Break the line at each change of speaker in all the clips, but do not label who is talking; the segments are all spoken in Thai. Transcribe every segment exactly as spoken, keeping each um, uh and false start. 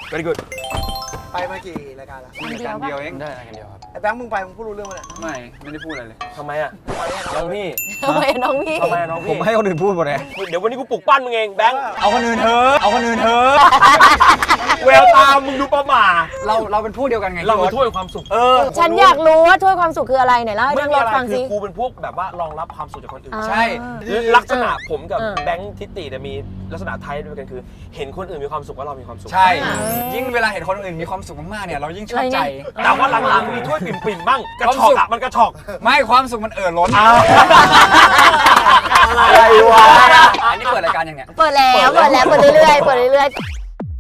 very good
ไปมากี่รายการแล้ว
รายการเดียวเอง
ได้รายการเดียวครับ
ไอ้แบงค์มึงไปมึงพูดรู้เรื่องมั้ย
ไม่ไม่ได้พูดอะไรเลย
ทำไมอ่ะน้องพี่
ทำไมน้องพี่
ทำไมน้องพี่
ผมให้คนอื่นพูดหมดเลย
เดี๋ยววันนี้กูปลุกปั้นมึงเองแบงค์
เอาคนอื่นเถอะเอาคนอื่นเถอะ
แววตามึงดูประหม่า
เราเราเป็นพวกเดียวกันไง
เราเป็นถ้วยความสุขเออ
ฉันอยากรู้ว่าถ้วยความสุขคืออะไรไหนเล่าให้
ไม่
ทั้ง
มี
ร
อะ
ถ
ไร
ฟัง
คื
สิ
อกูเป็นพวกแบบว่ารองรับความสุขจากคนอื่น
ใช่
ลักษณะผมกับ
เออ
แบงค์ทิติเนี่ยมีลักษณะไทยด้วยกันคือ เห็นคนอื่นมีความสุขว่าเรามีความสุข
ใช่ยิ่งเวลาเห็นคนอื่นมีความสุขมากๆเนี่ยเรายิ่งชอบใจ
แต่ว่าหลังๆมีถ้วยปิ่มๆบ้างกระชอกอะมันกระชอก
ไม่ความสุขมันเอ่อล้น
อะไรวะ
อันนี้เปิดรายการยังเนี่ย
เปิดแล้วเปิดแล้วเปิดเรื่อยๆเปิดเรื่อยๆ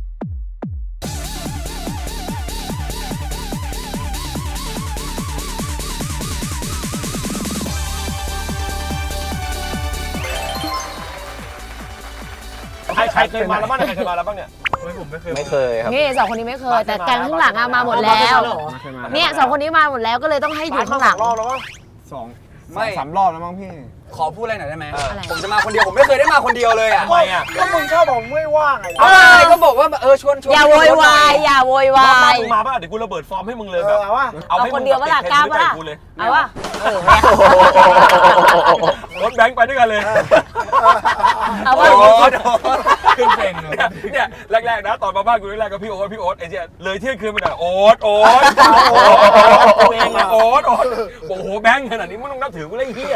ใครใครเคยมาแล้วบ้างใครเคยมาแล้วบ้างเนี่ย
ไม่เคยครับ
นี่สองคนนี้ไม่เคย แต่แกงข้างหลังอะมาหมดแล้วเนี่ยสองคนนี้มาหมดแล้วก็เลยต้องให้อยู่ข้างหลัง
รอบแล้ววะ
สอง
ไม่สามรอบแล้วมั้งพี่
ขอพูดอะไรหน่อยได้ไหม
อะไร
ผมจะมาคนเดียวผมไม่เคยได้มาคนเดียวเลยอ่ะ
ทำไมอ่ะ
ก็มึงชอบบอกไม่ว่างไง
อะไรก็บอกว่าเออชวนชวน
อย่าโวยวายอย่าโวยวา
บ้าย มึงมาป่ะเดี๋ยวกูระเบิดฟอร์มให้มึงเลย
เอ
แบ
อบ เอาวะ
เอาให้
เอาค
มึ
น
ง
เดียวปะล่ะกล้าปะล่ะ
กูเลย
เอาวะเออแม่
รถแบงค์ไปด้วยกันเลย
เอาวะ
ขึ้นเพลงเลยเนี่ยแรกๆนะตอนมาบ้านกูแรกๆก็พี่โอ๊ตพี่โอ๊ตไอ้เจี๊ยเลยเที่ยงคืนไปหน่อยโอ๊ตโอ๊ตตัวเองอะโอ๊ตโอ๊ตโอ้โหแบงค์ขนาดนี้มึงต้องนับถือกูเลยไอ้เหี้ย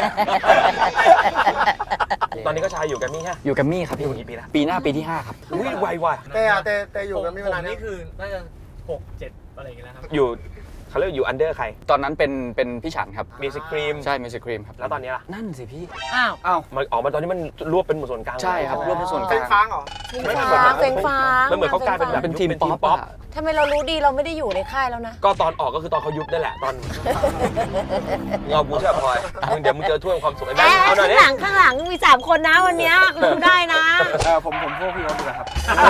ตอนนี้ก็ชายอยู่กันมี่ฮะ
อยู่กับมี่ครับ
อยู่กี่ปีละ
ปีหน้าปีที่ห้าครับ
อุ้ยไวว่ะ
แต่อะแต่แต่อยู่กันไม่
ผม
เวลา
นี่คือน่าจะหกเจ็ดอะไรอย่างเงี้ยนะครับ
อยู่เขาเรียกอยู่อันเดอร์ใคร
ตอนนั้นเป็นเป็นพี่ฉันครับ
มีสครีม
ใช่มิวสิครีมครับ
แล้วตอนนี้ล่ะ
นั่นสิพี่
อ้าว
อ้าว
มันออกมาตอนนี้มันรวบเป็นหมู่ส่วนกลาง
ใช่ครับรวบเป็นส่วนก
เป็
ลาน ง
ค้างเหรอ
ไม่เหมือน
ฟ้าเฟงฟ้า
มันเหมือนเขากลายเป็นแบบ
เป็นทีม
เป็น
ป๊
ที
อ
ม
ป
ป๊อป
อะ
ทำไมเรารู้ดีเราไม่ได้อยู่ในค่ายแล้วนะ
ก็ตอนออกก็คือตอนเขายุบนั่นแหละตอนเงาบูเชื่อพลอยมึงเดี๋ยวมึงเจอถ้วยความสุขไอ้แบ
แอง
ค์เอาหน่อย
ข้าง
ดิ
หลังข้างหลังมีสามคนนะวันเนี้ยคุณได้นะ
เออผมผมพวกพี่โอ๊ตดีกว่าครับ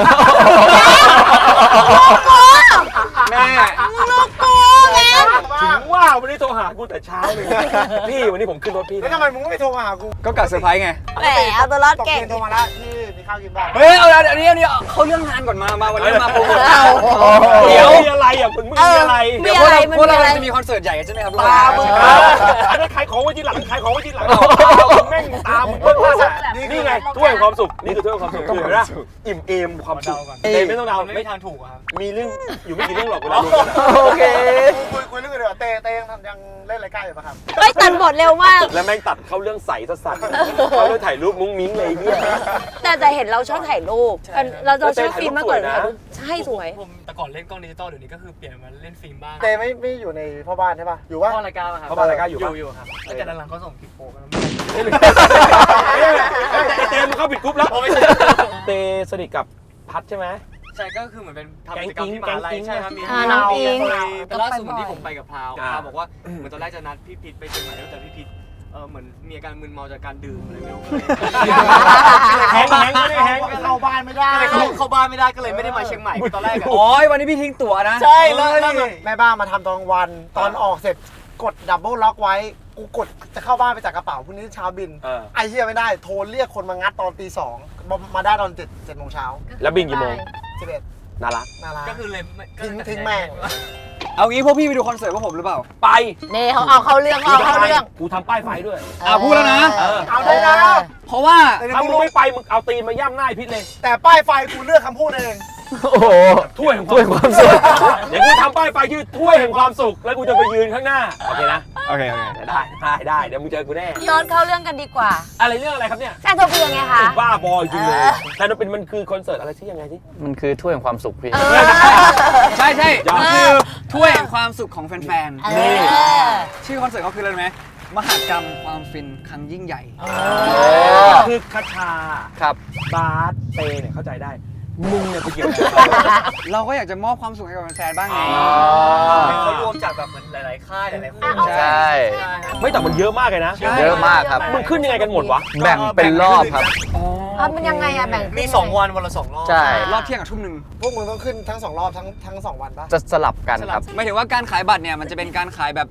แม่
แม่
ลูกกูแม่
ถึงว่าวันนี้โทรหากูแต่เช้าเลยพี่วันนี้ผมขึ้นรถพี่
แล้วทำไมมึงไม่โทรมาหากู
ก็กัดเซอร์ไพรส์ไง
แหมเอาตัวรอด
ตก
เก่ง
เย็นโทรมาแล้วพี่มีข้าวกินบ้าง
เฮ้ยเอาอันนี้อันนี้เขาเรื่องงานก่อนมามาวันนี้มาโปรโมท
เอา
เดี๋ยวมีอะไรอ่ะมึงมีอะไร
มี
เดี๋ยว
อะ
พวก
ไร
เรา
มัน
พวก
มี
เรา
อะไร
จะมีคอนเสิร์ตใหญ่กันใช่ไหมครับ
ตามึงอันนั้นขายของไว้ที่หลังขายของไว้ที่หลังแม่งตามึงเพิ่งว่านี่ไงถ้วยความสุขนี่คือถ้วยความสุขคือเห็นไหมอิ่มเอมความสุขเตไม่ต้องเดา
ไม่ทางถูกอะครับ
มีเรื่องอยู่ไม่กี่เรื่องหรอกเวลาดูกัน
โอเค
คุยคุยเรื่องอื่นดีกว่าเต้เต้ยังทำยังเล่นรายการอยู่ปะครับ
เฮ้ยตัดบทเร็วมาก
แล้วแม่งตัดเข้าเรื่องใสสัสๆเขาเรื่องถ่ายรูปมุ้งมิ้งเลยเนี่ย
แต่แต่เห็นเราชอบถ่ายรูปเราเราชอบฟิล์มมากกว่าถ่ายรูปใช่สวย
ผมแต่ก่อนเล่นกล้องดิจิตอลเดี๋ยวนี้ก็คือเปลี่ยนมาเล่นฟิล์มบ้าง
เต้ไม่ไม่อยู่ในพ่อบ้านใช่ปะอยู่วะ
พ่อรายการอะครับ
เขามารายการอยู่
อ
ปะ
ยู่อยู่ครับแต่หลังๆเขาส่งคลิปโป๊กัน
เตมันเข้าปิดกรุ๊ปแล้วเตสนิทกับพัดใช่ไหม
ใช่ก็คือเหมือนเป็นทำกิจกรรมที่มหาลัยใช่ครับมี
อ่าน้องอิง
แต่ล่าสุดเหมือนที่ผมไปกับพราว
อ่า
พราวบอกว่าเหมือนตอนแรกจะนัดพี่พิษไปเชียงใหม่แล้วแต่พี่พิษเออเหมือนมีอาการมึนเมาจากการดื่มอะไรไม่รู้
แฮงแฮงไม่ได้แฮง
เข้าบ้านไม่ได้
ก็เลยเข้าเข้าบ้านไม่ได้ก็เลยไม่ได้มาเชียงใหม่ตอนแรกอะ
โอ้ยวันนี้พี่ทิ้งตั๋วนะ
ใช่แล้วแล้ว
แม่บ้านมาทำตอนกลางวันตอนออกเสร็จกดดับเบิลล็อกไว้กูกดจะเข้าบ้านไปจากกระเป๋าพรุ่งนี้เช้าบิน
เออ
ไอ้เหี้ยไม่ได้โทรเรียกคนมางัดตอนตีสองมาได้ตอนเจ็ดเจ็ดโมงเช้า
แล้วบินกี่โมง
สิบเอ็ด
น่ารัก
น่ารัก
ก็คือเลยไม่ก็
ทิ้ง
เลย
ทิ้งแม่ง
เอางี้พวกพี่ไปดูคอนเสิร์ตพวกผมหรือเปล่า
ไป
นี่เขาเอาเข้าเรื่องเอาเข้าเรื่อง
กูทำป้ายไฟด้วย
อ่ะพูดแล้วนะ
เออ
เอาได้นะ
เพราะว่า
ถ้ามึงไม่ไปมึงเอาตีนมาย่ำหน้าไอ้พิษเลย
แต่ป้ายไฟกูเลือกคำพูดเอง
โอ้โห
ถ้วยแห่ง
ถ้วยความสุข
เดี๋ยวกูทำป้ายไฟชื่อถ้วยแห่งความสุขแล้วกูจะไปยืนข้างหน้าโอเคนะ
โอเคโอเค
ได้ได้ได้เดี๋ยวมึงเจอกูแน่
ย้อนเข้าเรื่องกันดีกว่า
อะไรเรื่องอะไรครับเนี่ย
แซนโทเปียไงคะ
บ้าบอจริงเลยแต่มันเป็นมันคือคอนเสิร์ตอะไรที่ยังไงที่
มันคือถ้วยแห่งความสุขพี่
เออ
ใช่ใช่
ยอด
มันคือถ้วยแห่งความสุขของแฟน
เออ
ๆ ชื่อคอนเสิร์ตเขาคืออะไรรู้ไหมมหากรรมความฟินครั้งยิ่งใหญ่
คือคาชา
ครับ
บาสเตเนี่ยเข้าใจได้มึงเนี่ยไปเกี่ยวอะไร
เราก็อยากจะมอบความสุขให้กับแฟนๆบ้างไง
เขารวมจากแบบเหมือนหลายๆค่ายหลายๆคน
ใช่
ไม่แต่มันเยอะมากเลยนะ
เยอะมากครับ
มึงขึ้นยังไงกันหมดวะ
แบ่งเป็นรอบครับ
อ่ะมันยังไงอะแบ่ง
มีสองวันวันละสองรอบ
ใช่
รอบเที่ยงกับทุ่มหนึ่ง
พวกมึงต้องขึ้นทั้งสองรอบทั้งทั้งสองวันปะ
จะสลับกันครับ
หมายถึงว่าการขายบัตรเนี่ยมันจะเป็นการขายแบบ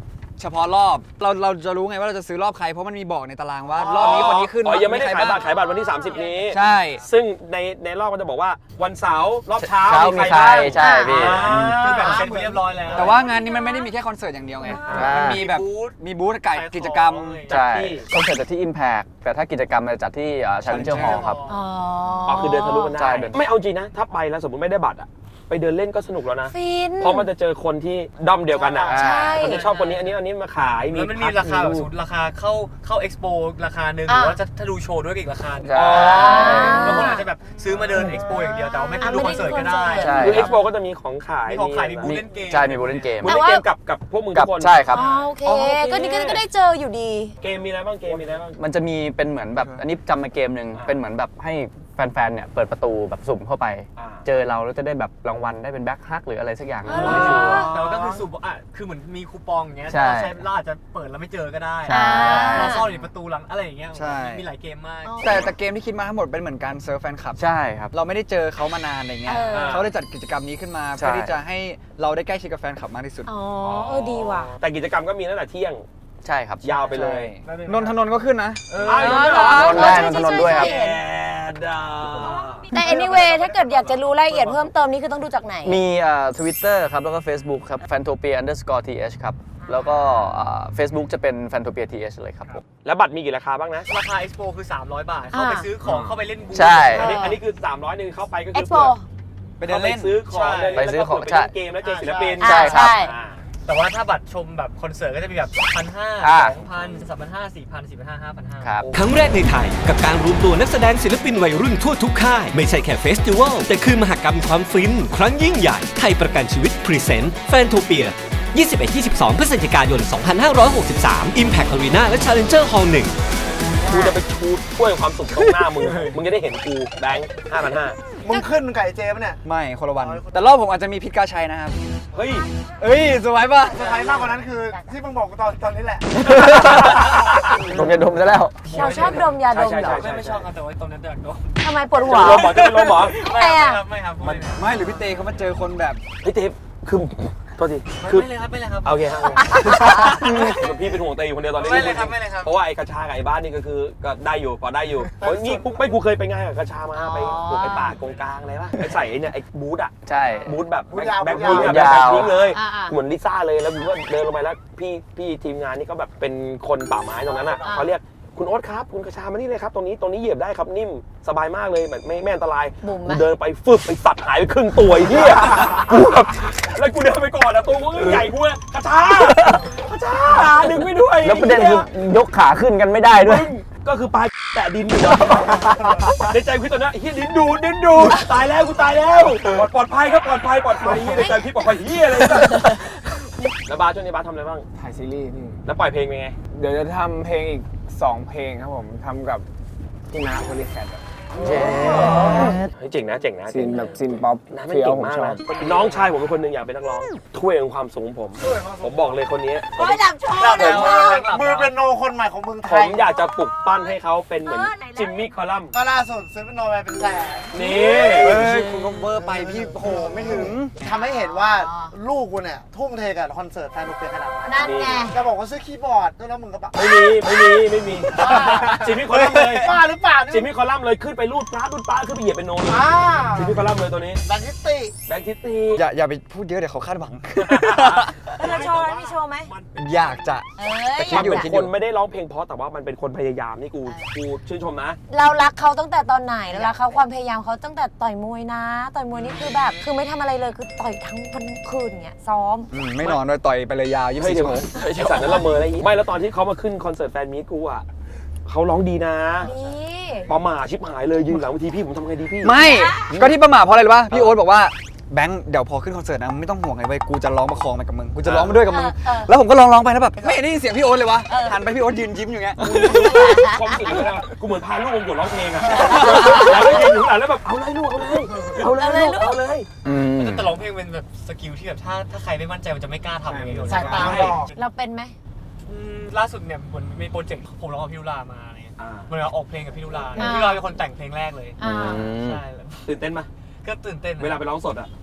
เฉพาะรอบเราเราจะรู้ไงว่าเราจะซื้อรอบใครเพราะมันมีบอกในตารางว่ารอบนี้คนนี้ขึ้น
อ๋อยังไม่ได้
ใคร
ขายบัตร
บ้ง
ขายบัตรวันที่สามสิบนี้
ใช่
ซึ่งในในรอบก็จะบอกว่าวันเสาร์รอบเช้า
เช้ามีใคร
บ้าง
ใช่พี่
อ่า
คือแบบเซ็นเรียบร้อยแล้ว
แต่ว่างานนี้มันไม่ได้มีแค่คอนเสิร์ตอย่างเดียวไง
อ่ามั
มันมีแบบ
บูธ
มีบูธกับกิจกรรม
ใช่คอนเสิร์ตจัดที่ Impact แต่ถ้ากิจกรรมจะจัดที่ชาเลนเจอร์ฮอลล์ครับ
อ๋อ
อ๋อคือเดินทะลุกัน
ใช่
ได้
เดิน
ไม่เอาจริงนะ ถ้าไปแล้วสมมติไม่ได้บัตรอะไปเดินเล่นก็สนุกแล้วนะ
ฟิน
เพราะมันจะเจอคนที่ด้อมเดียวกันอ่ะ
ใช่
คนที่ชอบคนนี้อันนี้อันนี้มาขาย
แล้วมันมีราคาแบบสูตรราคาเข้าเข้าเอ็กซ์โปราคาหนึ่งห
อ่ะ
รือว่าจะถ้าดูโชว์ด้วยก็อีกราคาหนึ่ง
ใช่
บางคนอาจจะแบบซื้อมาเดินเอ็กซ์โปอย่างเดียวแต่ว่าไม่ขึ้นดูคอนเสิร์ตก็ได้
ใช่
คือ
ค
เอ็
รั
ก
บ
ซ์โปก็จะมีของขาย
มีของขายมีบูธเล่นเกม
ใช่มีบูธเล่นเกม
บูธเล่นเกมกับกับพวกมึง
กั
ทุ
บ
กคน
ใช่ครับ
อ๋อโอเค
อ๋อโอเค
ก็นี่ก็ก็ได้เจออยู่ดี
เกมมีอะไรบ้างเกมมีอะไรบ้าง
มันจะมีเป็นเหมือนแบบอันนี้จำมาเกมหนึ่ง
อ่า
เป็นเหมือนแบบให้แฟนๆเนี่ยเปิดประตูแบบสุ่มเข้าไป
อ่า
เจอเราแล้วจะได้แบบรางวัลได้เป็นแบ็คฮักหรืออะไรสักอย่าง
อ๋อ
ไม่ชัวร์
แต่ว่าก็คือสูบอ่ะคือเหมือนมีคูปองอย่างเงี้ย
ใช่
เราใช้เราอาจจะเปิดแล้วไม่เจอก็ได้
ใช่
เราซ่อนอยู่ในประตูหลังอะไรอย่างเงี้ย
ใช่
มีหลายเกมมาก
แต่แต่เกมที่คิดมาทั้งหมดเป็นเหมือนการเซิร์ฟแฟนคลับ
ใช่ครับ
เราไม่ได้เจอเขามานานอะไรเงี้ย
เออ
เขาเลยจัดกิจกรรมนี้ขึ้นมา
ใช่
เพื่อที่จะให้เราได้ใกล้ชิดกับแฟนคลับมากที่สุด
อ๋อเออดีว่ะ
แต่กิจกรรมก็มีตั้งแต่เที่ยง
ใช่ครับ
ยาวไปเลย
ใช่นนทนนท์ก็ขึ้นนะ
อ้าว
อ๋
ยัง
อ
ไม่
เห
เห
ร
ร
อ
อ
นนท์ถนนด้วยครับ
ใช่
แอ
ใช่
ดอ่ะ
แต่ anyway ถ้าเกิดอยากจะรู้รายละเอียดเพิ่มเติมนี่คือต้องดูจากไหน
มีทวิตเตอร์ครับ แล้วก็ Facebook ครับ fantopia underscore th ครับ แล้วก็เฟซบุ๊กจะเป็น fantopia th เลยครับผม
แล้วบัตรมีกี่ราคาบ้างนะ
ราคาเอ็กซ์โปคือสามร้อยบาท เข้าไปซื้อของเข้าไปเล่นบูธ
ใช่
อันนี้อันนี้คือสามร้อยนึงเข้าไปก็คือ
Expo
ไปเดินเล่น
ซื้อของเดิน
ไป
เล่น
ซื้อของ
แล้วก็
ใช่
ไปเล่นเกมแล้วเจอศิลปิน
อ่า
ใช่ครับ
ใช่
อ่า
แต่ว่าถ้าบัตรชมแบบคอนเสิร์ตก็จะมีแบบพันห้า
อ่า
สองพันสามพันห้าสี่พันสี่พันห้าห้าพันห้า
ครับ
ครั้งแรกในไทยกับการรวมตัวนักแสดงศิลปินวัยรุ่นทั่วทุกค่าย ไม่ใช่แค่เฟสติวัลแต่คือมหกรรมความฟิน ครั้งยิ่งใหญ่ไทยประกันชีวิตพรีเซนต์แฟนโทเปีย ยี่สิบเอ็ดถึงยี่สิบสอง พฤศจิกายน สองพันห้าร้อยหกสิบสาม Impact Arena และ Challenger Hall หนึ่ง
กูจะไปชูถ้วยความสุขตรงหน้ามึง มึงจะได้เห็นกูแบงค์ห้าพันห้า
มึงขึ้นมึงกับไอ้เจปะเนี่ย
ไม่คนละวัน แต่รอบผมอาจจะมีพิษกาชัยนะครับ
เฮ้ย
เอ้ยสวยป่ะ
เซอร์ไพรส์มากกว่านั้นคือที่มึงบอกกูตอนตอนนี้แหละ
ดมยาดมซะแล้ว
เราชอบดมยาดม
ใช่
เหร
ใช่
อ
ไม่ไม่ชอบครับแต่ว่าตอนนั้นเดือดโดน
ทำไมปวดหัว
จะลมหมอจะเป็นลมหมอ
ทำไมอ่ะ
ไม่ครับไม่ครับ
ไม่หรือพี่เตเขามาเจอคนแบบ
เฮ้ยเทปคือโทษที
ไม่
คือ
ไม่เลยครับไม่เลยครับ
โอเคครับพี่เป็นห่วงเตยคนเดียวตอนนี้
ไม่เลยครับไม่เลยครับ
เพราะว่าไอ้กระชากับไอ้บ้านนี่ก็คือก็ได้อยู่พอได้อยู่โอ้ยนี่กูไม่กูเคยไปงานกับกระชามาไปปลูกไอ้ป่ากงกลางอะไรวะไปใส่ไอ้เนี่ยไอ้บูธอะ
ใช่
บูธแบบ
บูธยาว
แบ็ค
บู
พิ
ธ
ง
ยาว
อะแบ็ค
ยาว
พิงเลย
อ่าๆ
เหมือนลิซ่าเลยแล้วผมก็เดินลงไปแล้วพี่พี่ทีมงานนี่ก็แบบเป็นคนป่าไม้ตรงนั้นอะ
อ่า
เขาเรียกคุณโอ๊ตครับคุณกระชามานี่เลยครับตรงนี้ตรงนี้เหยียบได้ครับนิ่มสบายมากเลยแบบไม่ไม่อันตราย
บุ๋มไหม
กูเดินไปฟึบไปสัตว์หายไปครึ่งตัวไอ้เหี้ยกูแบบแล้วกูเดินไปก่อนอะตัวกูก็ใหญ่กูอะกระชากระชาดึงไม่ด้วย
แล้วประเด็นคือยกขาขึ้นกันไม่ได้ด้วย
ก็คือปลายแตะดินอยู่อะในใจพี่ตอนนั้นเฮียดินดูดดินดูดตายแล้วกูตายแล้วปลอดปลอดภัยครับปลอดภัยปลอดภัยเฮียในใจพี่ปลอดภัยเฮียอะไรแบบแล้วบาสช่วงนี้บาสทำอะไรบ้าง
ถ่ายซีรีส์พี่
แล้วปล่อยเพลงเป็นไง
เดี๋ยวจะทำเพลงอีกสองเพลงครับผมทำกับพี่นาโพลิแคท
เฮ้ยเจ๋งนะเจ๋งนะ
ซีนแบบซีนป๊อป
น้าไม่
เฟี้ยว
เก่ง
ผม
มาก
ชอ
นะ
บ
น้องชายผมเป็นคนหนึ่งอยากเป็นนักร้องถ้วยของความสูงผม ผมบอกเลยคนนี้ผม
โอ้ยดับโชว์
แล้ว
ดับโชว์
มือเป็นโนคนใหม่ของเมืองไท
ผ
ย
มอยากจะปลุกปั้นให้เขาเป็นเหมือน
เออไหนล่ะ
จิมมี่คอลัมน์
ก็ล่าสุดซื้อเป็นโนไปเป็นแสน
นี่
เอ้ยคุณก็เบอร์ไปพี่โหไม่ถึง
ทำให้เห็นว่าลูกกูเนี่ยทุ่มเทกับคอนเสิร์ตแฟนลูกเปียขนาดไหน
นั่นไง
จะบอกว่าซื้อคีย์บอร์ดด้วยแล้วมึงก็บ้า
ไม่มีไม่มีไม่มีจิมมี่คอลัมน์เลย
บ้าหรือเปล่า
จิมมี่คอลัมน์เลยขึ้นไปรูดปลารูดปลาขึ้นไปเหยียบเป็นโนเลย
อ่า
จิมมี่คอลัมน์เลยตัวนี้
แบนทิสติ
แบงค์ทิตตี้
อย่าอย่าไปพูดเยอะเดี๋ยวเขาคาดหวัง
แล้วเราโชว์ไหมมีโชว์ไหม
อยากจะ
เอ้ย
แต่คิ
มั
ด
น
อยู่
เป็นคนไม่ได้ร้องเพลงเพราะแต่ว่ามันเป็นคนพยายามนี่กูกูชื่นชมนะ
เรารักเขาตั้งแต่ตอนไหนเรารักเขาความพยายามเขาตั้งแต่ต่อยมวยนะ ต่อยมวยนี่คือแบบคือไม่ทำอะไรเลยคือต่อยทั้งวันทั้งคืนเงี้ยซ้อม
อืมไม่นอนด้วยต่อยไปเลยยาวยี่สิบ
เฮ้ย
สี่
เดี๋ยว
ชั่วโมง
ไอ้สัตว์นั้นละเมออะไรอย่างงี้ไม่แล้วตอนที่เขามาขึ้นคอนเสิร์ตแฟนมีตกูอ่ะเขาร้องดีนะ
ดี
ประหม่าชิบหายเลยยืนหลังเวทีพี่ผมทำไงดีพี่
ไม่ก็ที่ประมาทเพราะอะไรรู้ป่ะพี่โอ๊ตบอกว่าแบงค์เดี๋ยวพอขึ้นคอนเสิร์ตนะไม่ต้องห่วงเลยเว้ยกูจะร้องประคองไปกับมึงกูจะร้องไปด้วยกับมึง
เออ
แล้วผมก็ร้องร้องไปแล้วแบบไม่ได้ยินเสียงพี่โอ๊ตเลยวะหันไปพี่โอ๊ตยืนยิ้มอยู่เงี้ย
ความรู้สึกเลยนะกูเหมือนพาลูกวงกดร้องเพลงอะแล้วก็ยืนอยู่ข้างหลังแล้วแบบเอาเลยลูกเอาเลยเอาเลยลูกเอาเลย
อืม
แต่ร้องเพลงเป็นแบบสกิลที่แบบถ้าถ้าใครไม่มั่นใจมันจะไม่กล้าทำอย่างนี้
สายตาบอก
เราเป็นไหม
อืมล่าสุดเนี่ยเหมือนมีโปรเจกต์ผมร้องกับพี่ลุลามาอะไรเงี้ย
อ่า
เหมือนเราออกเพลงกับพี่ลุลา
อ่า
พี่ลุลาเป็นคนแต่งเพลงแรกเลย
อ่า
ใช่แล้ว
ตื่นเต้นปะ
ก็ตื่นเต้นนะ
เวลาไปร้องสดอะ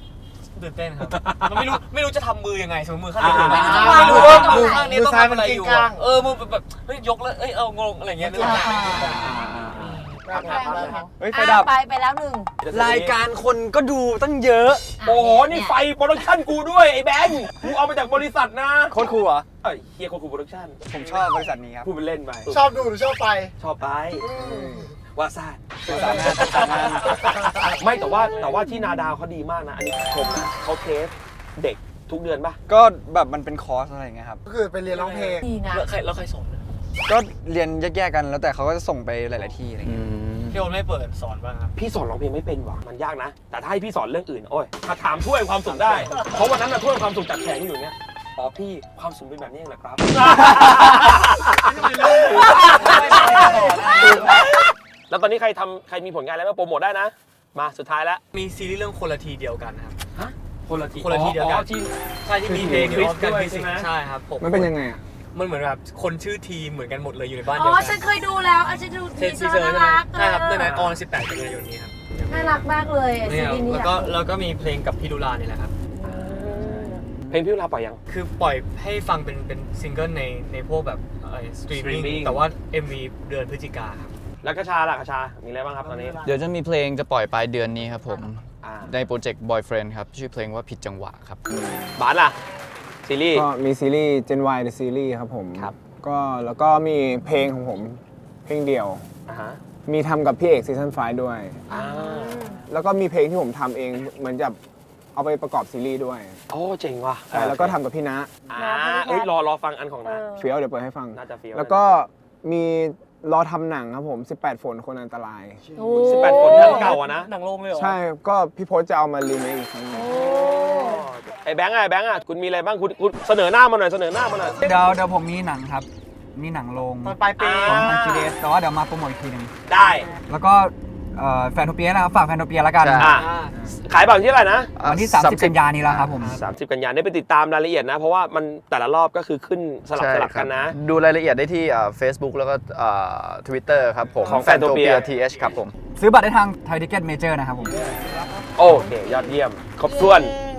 ตื่นเต้นครับมันไม่รู้ไม่รู้จะทำมือยังไงสมมติมือข้าง
อ่า
ไหน
อ่า
ไม่รู้ว่ามือ
อ่า
ข้างนี้ต้องทำอะไรอยู่
มือซ้ายมันกิ้งก้าง
เออมือแบบเฮ้ยยกแล้วเอ้ยเอางงอะไรอย่างเงี้ยนึกออกไหม
เฮ้ยไฟดับ
ไปไปแล้วหนึ่ง
รายการคนก็ดูตั้งเยอะ
โอ้โห นี่ไฟโปรดักชั่นกูด้วย ไอ้แบงค์กูเอามาจากบริษัทนะ
โคตรคูลเหรอ
เอ้ยเฮียโคกูโปรดักชั่น
ผมชอบบริษัทนี้ครับ
พูดเป็นเล่นไป
ชอบดูหรือชอบไป
ชอบไปว่าซ่า
สื่อสารงานสื่อสารงาน
ไม่แต่ว่าแต่ว่าที่นาดาวเขาดีมากนะ อันนี้ชมนะเขาเทสเด็กทุกเดือนป่ะ
ก็แบบมันเป็นคอร์สอะไรอย่างเงี้ยครับ
ก็คือไปเรียนร้องเพลง
ดีนะ
แล้วใครแล้วใครสอนนะ
ก็เรียนแยกๆกันแล้วแต่เขาก็จะส่งไปหลาย ๆ ที่อะไรเงี้ย
พี่โอนไม่เปิดสอนบ้างครับ
พี่สอนร้องเพลงไม่เป็นว่ะมันยากนะ แต่ถ้าให้พี่สอนเรื่องอื่น โอ้ยถ้าถามถ้วยความสุขได้ เพราะวันนั้นน่ะถ้วยความสุขจากแข็งอยู่เนี่ยอ๋อพี่ความสุขเป็นแบบนี้เองเหรอครับ แล้วตอนนี้ใครทำใครมีผลงานอะไรบ้างโปรโมทได้นะ มาสุดท้ายแล้ว
มีซีรีส์เรื่องคนละทีเดียวกันครับ
ฮะคนละที
คนละทีเดียวกัน
อ๋อที่
ใช่ที่มีเพลง
คริส
ออฟกัน
ด้วย
พิสิก
ใช่ไหม
ใช่ครับผม
มันเป็นยังไงอ่ะ
มันเหมือนแบบคนชื่อทีเหมือนกันหมดเลยอยู่ในบ้าน
อ๋
เดี
อ
ยวกัน
ฉันเคยดูแล้วอ่ะฉันดู
เท
ที
ส
เซ
ซี
อ
เซอ
ร์
ร์
น่า
ใช่ไหม
รัก
ใช่ครับในนั้น
เอ
อ
อ
อนสิบแปดกันยายนนี้ครับ
น่ารักมากเลยไอ้
นี่
ซี
ครับ
รีส์นี้
แล้วก็แล้วก็มีเพลงกับพี่ดุลานี่แหละครับ
เพลงพี่เวลาปล่อยยัง
คือปล่อยให้ฟังเป็นเป็นซิงเกิลในในพวกแบบสตรีมมิ่ง
Streaming
แต่ว่า เอ็ม วี เดือนพฤศจิกาครับ
แล้วกระชาล่ะกระชา มีอะไรบ้างครับตอนนี้
เดี๋ยวจะมีเพลงจะปล่อยปลายเดือนนี้ครับผม
อ่า
ในโปรเจกต์ Boyfriend ครับ ชื่อเพลงว่าผิดจังหวะครับ
บาสล่ะ ซีรีส์
ก็มีซีรีส์ Gen Y The Series ครับผม
ครับ
ก็แล้วก็มีเพลงของผม เพลงเดียว
อ่าฮะ
มีทำกับพี่เอกซีซั่นไฟด้วย
อ่า
แล้วก็มีเพลงที่ผมทำเองเหมือนจะเอาไปประกอบซีรีส์ด้วย
โอ้เจ๋งว่ะ
ใช่แล้วก็ทำกับพี่ณะ
อ่าเอ้ยรอรอฟังอันของนะ
เฟี้ยวเดี๋ยวเปิดให้ฟัง
น่าจะเฟี้ยว
แล้วก็มีรอทำหนังครับผม สิบแปด ฝนคนอันตราย
โอ้
สิบแปดคนหนังเก่าอะนะ
หนังโรงเลยเหรอ
ใช่ ก็พี่พจน์จะเอามารีเมคอีกครั้งหนึง
ไอ้แบงค์อะไอ้แบงค์อะคุณมีอะไรบ้างคุณคุณเสนอหน้ามาหน่อยเสนอหน้ามาหน่อย
เดี๋ยวเดี๋ยวผมมีหนังครับ มีหนังลง
ตอนปลายปี
ของทางจีเดสแต่ว่าเดี๋ยวมาโปรโมทอีกทีหนึง
ได้
แล้วก็เอ่อแฟนโทเปียนะครับฝากแฟนโทเปียแล้วกัน
ใช่
อ่ะขายบัตรที่เท่าไหร่นะ
วันที่ สามสิบ กันยานี้แล้วครับผม
สามสิบกันยายนได้ไปติดตามรายละเอียดนะ เพราะว่ามันแต่ละรอบก็คือขึ้นสลับ
ใช่
สลับกันนะ
ครับดูรายละเอียดได้ที่เฟซบุ๊กแล้วก็ทวิตเตอร์ครับผม
ของ Fantopia
ทีเอชครับผม
ซื้อบัตรได้ทางไทยทิเก็ตเมเจอร์นะครับผม
โอเค ยอดเยี่ยม ครบถ้วน
เย้